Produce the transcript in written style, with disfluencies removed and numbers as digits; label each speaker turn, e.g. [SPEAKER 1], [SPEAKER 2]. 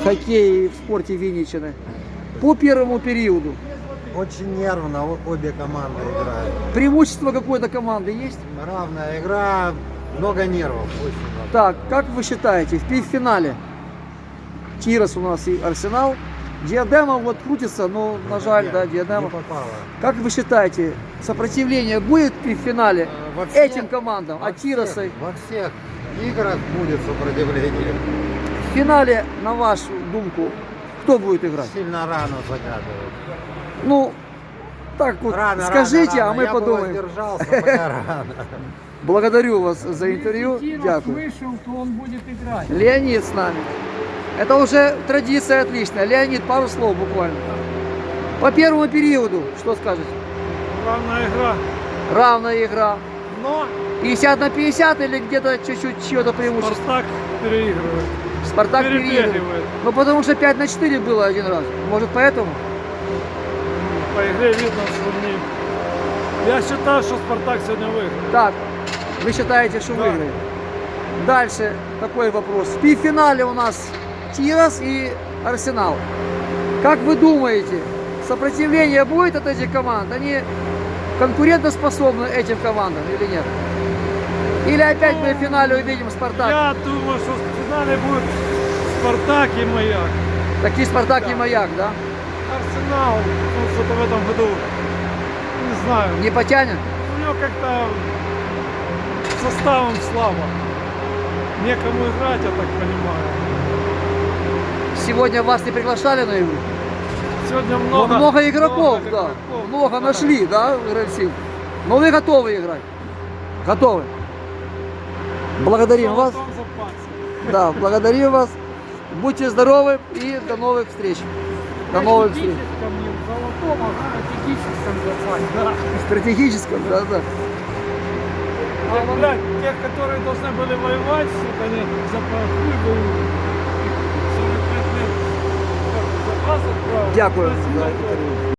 [SPEAKER 1] хоккее и в спорте Винничины. По первому периоду
[SPEAKER 2] Очень нервно обе команды играют.
[SPEAKER 1] преимущество какой-то команды есть?
[SPEAKER 2] Равная игра, много нервов. Очень много.
[SPEAKER 1] Так, как вы считаете, в финале Тирас у нас и Арсенал, Диадема вот крутится, но, на жаль, да,
[SPEAKER 2] Не
[SPEAKER 1] Диадема.
[SPEAKER 2] попало.
[SPEAKER 1] Как вы считаете, сопротивление будет в финале
[SPEAKER 2] Во всех-
[SPEAKER 1] этим командам,
[SPEAKER 2] во
[SPEAKER 1] от Тираса?
[SPEAKER 2] Во всех играх будет сопротивление.
[SPEAKER 1] В финале, на вашу думку, кто будет играть?
[SPEAKER 2] Сильно рано загадывать.
[SPEAKER 1] Ну, так вот,
[SPEAKER 2] Рано,
[SPEAKER 1] скажите,
[SPEAKER 2] рано,
[SPEAKER 1] а мы
[SPEAKER 2] Я бы
[SPEAKER 1] подумаем.
[SPEAKER 2] воздержался, пока рано.
[SPEAKER 1] Благодарю вас за интервью.
[SPEAKER 3] Если
[SPEAKER 1] Дякую.
[SPEAKER 3] вышел, то он будет играть.
[SPEAKER 1] Леонид с нами. Это уже традиция отличная. Леонид, пару слов буквально. По первому периоду, что скажете?
[SPEAKER 3] Главная игра.
[SPEAKER 1] Равная игра.
[SPEAKER 3] Но
[SPEAKER 1] 50 на 50 или где-то чуть-чуть чье-то преимущество?
[SPEAKER 3] Спартак переигрывает.
[SPEAKER 1] Спартак переигрывает.
[SPEAKER 3] Перебегивает.
[SPEAKER 1] Ну потому что 5 на 4 было один раз. Может поэтому?
[SPEAKER 3] По игре видно, что не... Я считаю, что Спартак сегодня выиграет.
[SPEAKER 1] Так, вы считаете, что
[SPEAKER 3] Да.
[SPEAKER 1] выиграет? Дальше такой вопрос. В пи-финале у нас Тирас и Арсенал. Как вы думаете, сопротивление будет от этих команд? Они конкурентоспособны этим командам или нет? Или опять мы в финале увидим Спартак?
[SPEAKER 3] Я думаю, что в финале будет Спартак и Маяк.
[SPEAKER 1] Такие Спартак и Маяк, да?
[SPEAKER 3] Арсенал, ну, что-то в этом году, не знаю,
[SPEAKER 1] Не потянет?
[SPEAKER 3] у него как-то составом слабо. Некому играть, я так понимаю.
[SPEAKER 1] Сегодня вас не приглашали на игру?
[SPEAKER 3] Сегодня
[SPEAKER 1] Но
[SPEAKER 3] много,
[SPEAKER 1] много игроков, да.
[SPEAKER 3] игроков.
[SPEAKER 1] Много нашли, да, игроков. Но вы готовы играть? Готовы? Благодарим
[SPEAKER 3] В
[SPEAKER 1] вас.
[SPEAKER 3] золотом запасе.
[SPEAKER 1] Да, благодарим вас. Будьте здоровы и до новых встреч. До новых встреч.
[SPEAKER 3] Не в золотом, а в стратегическом запасе. Да.
[SPEAKER 1] Стратегическом, да, да.
[SPEAKER 3] А, блядь, тех, которые должны были воевать, сука, они запахли воюют. 45 лет запас отправил.
[SPEAKER 1] Дякую
[SPEAKER 3] Спасибо
[SPEAKER 1] за
[SPEAKER 3] огромное.
[SPEAKER 1] інтерв'ю.